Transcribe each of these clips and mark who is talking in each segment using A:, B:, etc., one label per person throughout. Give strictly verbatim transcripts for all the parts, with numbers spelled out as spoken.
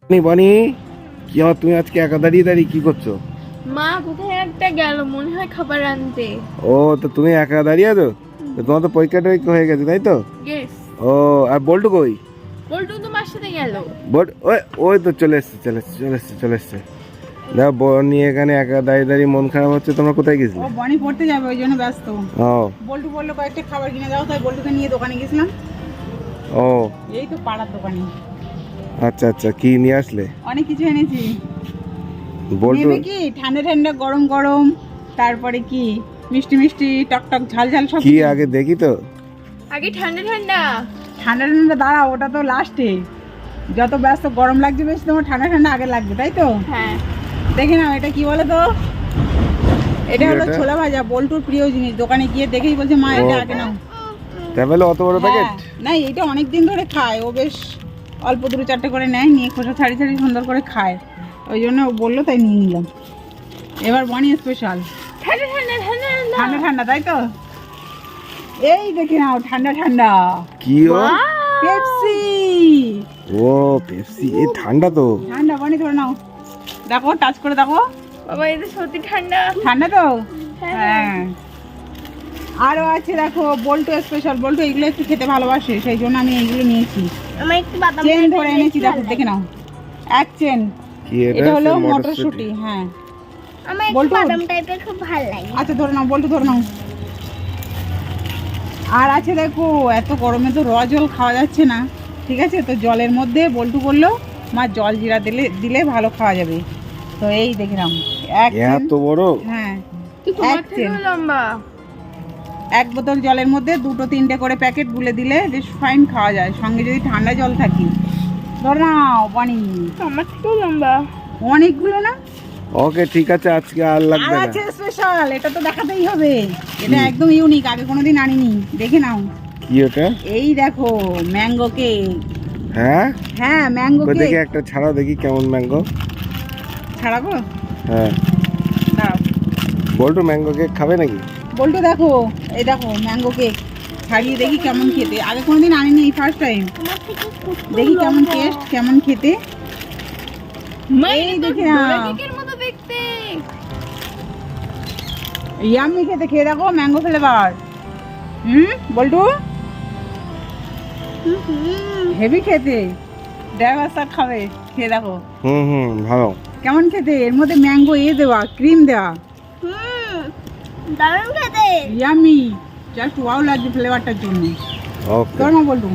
A: বনি, কি আমার তুমি আজকে একা দাঁড়িয়ে দাঁড়িয়ে কি করছো?
B: মা কোথায় একটা গেল মনে হয় খাবার আনতে।
A: ও, তো তুমি একা দাঁড়িয়ে আছো? তো তোমার তো পরীক্ষা টরীক্ষা হয়ে গেছে তাই তো?
B: ইয়েস।
A: ও, আর বল্টু কই?
B: বল্টু তো মার সাথে গেল।
A: বট ওই ওই তো চলে এসছে চলে এসছে চলে এসছে চলে এসছে দেখো বনি এখানে একা দাঁড়িয়ে দাঁড়িয়ে মন খারাপ হচ্ছে। তোমরা কোথায় গেছিলে?
C: ও বনি পড়তে যাবে ওই জন্য ব্যস্ত।
A: ও
C: বল্টু বললো কয়েকটা খাবার কিনে দাও, তাই বল্টুকে নিয়ে দোকানে গেছিলাম।
A: ও
C: এই তো পাড়ার দোকানে।
A: আচ্ছা আচ্ছা, কি নিয়ে আসলে?
C: অনেক কিছু এনেছি।
A: বল্টু
C: নেবে কি ঠান্ডা ঠান্ডা গরম গরম, তারপরে কি মিষ্টি মিষ্টি টক টক ঝাল ঝাল সব
A: কি
C: কিছু।
A: আগে দেখি তো।
B: আগে ঠান্ডা ঠান্ডা।
C: ঠান্ডা ঠান্ডা দাঁড়া, ওটা তো লাস্টে। যত ব্যস্ত গরম লাগছে বেশি, তোমার ঠান্ডা ঠান্ডা আগে লাগবে তাই তো?
B: হ্যাঁ।
C: দেখে নাও এটা কি বলে তো। এটা
A: কি
C: হলো
A: এটা?
C: ছোলা ভাজা, বল্টুর প্রিয় জিনিস। দোকানে গিয়ে দেখেই বলছে মা
A: ও।
C: এটা আগে নাও।
A: ট্রাভেলে অত বড় প্যাকেট?
C: হ্যাঁ, না এটা অনেক দিন ধরে খায় ও, বেশ অল্প দুটো চারটে করে নেয়, নিয়ে খোসা ছাড়ি ছাড়ি সুন্দর করে খায়। ওই জন্য ও বললো তাই নিয়ে নিলাম। এবার বনি স্পেশাল
B: ঠান্ডা ঠান্ডা ঠান্ডা ঠান্ডা।
C: ঠান্ডা ঠান্ডা তাই তো? এই দেখে নাও ঠান্ডা ঠান্ডা
A: কি ও?
C: পেপসি।
A: ও পেপসি, এই ঠান্ডা তো।
C: ঠান্ডা বনি ধরে নাও, দেখো টাচ করে দেখো।
B: বাবা এটা সত্যি ঠান্ডা।
C: ঠান্ডা তো?
B: হ্যাঁ।
C: হ্যাঁ। আরো আছে দেখো বল্টু স্পেশাল। বল্টু এগুলো একটু খেতে ভালোবাসে, সেই জন্য আমি এইগুলো নিয়েছি।
B: আমার একটু বাদাম
C: চেন ধরে এনেছি, দেখো দেখে নাও। এক চেন।
A: কি
C: এটা হলো
A: মটরশুঁটি?
C: মটরশুঁটি। হ্যাঁ
B: আমার একটু
C: বল্টু।
B: বাদাম টাইপের খুব ভালো লাগে।
C: আচ্ছা ধরে নাও বল্টু, ধরে নাও। আর আছে দেখো, এত গরমে তো র জল খাওয়া যাচ্ছে না, ঠিক আছে? তো জলের মধ্যে বল্টু বললো মা জল জিরা দিলে দিলে ভালো খাওয়া যাবে। তো এই দেখে নাও এক চেন।
A: এত বড়?
C: হ্যাঁ
B: তুই তোমার
C: এক
B: থেকেও
C: চেন।
B: লম্বা।
C: এক বোতল জলের মধ্যে দুটো তিনটে করে প্যাকেট গুলে দিলে বেশ ফাইন খাওয়া যায়, সঙ্গে যদি ঠান্ডা জল থাকে। ধর নাও বনি।
B: আমার থেকেও লম্বা।
C: অনেকগুলো না?
A: ওকে ঠিক আছে, আজকে আর
C: আর
A: লাগবে না।
C: আছে স্পেশাল, এটা তো দেখাতেই হবে। এটা
A: কি?
C: একদম ইউনিক, আগে কোনোদিন আনিনি, দেখে নাও।
A: কি ওটা?
C: এই দেখো ম্যাঙ্গো কেক।
A: হ্যাঁ,
C: হ্যাঁ ম্যাঙ্গো
A: কই
C: কেক।
A: দেখি একটা ছাড়াও দেখি কেমন ম্যাঙ্গো।
C: ছাড়াবো?
A: হ্যাঁ,
C: দাঁড়াও।
A: বল্টু ম্যাঙ্গো কেক খাবে নাকি?
C: বল্টু দেখো, এই দেখো ম্যাঙ্গো কেক ছাড়িয়ে দেখি কেমন খেতে। আগে কোনোদিন আনিনি, এই ফার্স্ট টাইম।
B: তোমার থেকে
C: দেখি কেমন টেস্ট, কেমন খেতে।
B: এই
C: এই
B: দেখে
C: দেখে
B: না
C: নাও।
B: কেকের মতো দেখতে।
C: ইয়াম্মি খেতে, খেয়ে দেখো ম্যাঙ্গো ফ্লেভার। হুম বল্টু হেভি খেতে। ড্রাইভার স্যার খাবে, খেয়ে দেখো
A: হুম হুম ভালো।
C: কেমন খেতে। এর মধ্যে ম্যাঙ্গো এ দেওয়া, ক্রিম দেওয়া।
B: হুম দারুণ খেতে।
C: ইয়াম্মি, জাস্ট ওয়াও লাগছে ফ্লেভারটার জন্য।
A: ওকে,
C: তোর মা বলটু।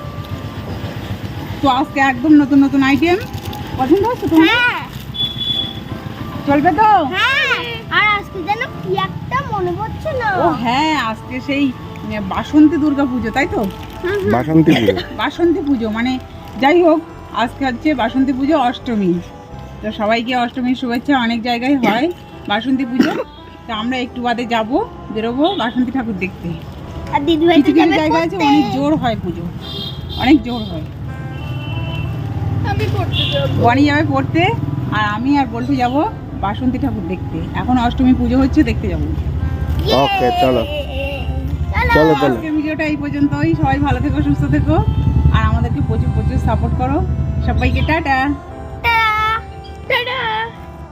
C: তো আজকে একদম নতুন নতুন আইটেম। পছন্দ হচ্ছে তোমার?
B: হ্যাঁ
C: চলবে তো?
B: হ্যাঁ। আর আজকে যেন কি একটা মনে পড়ছে না।
C: ও হ্যাঁ, আজকে সেই বাসন্তী দুর্গা পুজো তাই তো?
A: বাসন্তী পুজো।
C: বাসন্তী পুজো মানে যাই হোক, আজকে হচ্ছে বাসন্তী পুজো অষ্টমী। তো সবাইকে অষ্টমীর শুভেচ্ছা। অনেক জায়গায় হয় বাসন্তী পুজো, তো আমরা একটু বাদে যাব, বেরোবো বাসন্তী ঠাকুর দেখতে।
B: আর দিদি ভাই
C: কিছু কিছু জায়গা আছে অনেক জোর হয় পুজো, অনেক জোর হয়।
B: আমি পড়তে যাব।
C: বনি যাবে পড়তে, আর আমি আর বল্টু যাব বাসন্তী ঠাকুর দেখতে। এখন অষ্টমী পুজো হচ্ছে, দেখতে যাবো।
A: ওকে চলো চলো চলো।
C: আজকের ভিডিওটা এই পর্যন্তই। সবাই ভালো থেকো, সুস্থ থেকো, আর আমাদেরকে প্রচুর প্রচুর সাপোর্ট করো। সবাইকে টাটা।
B: Tata tata.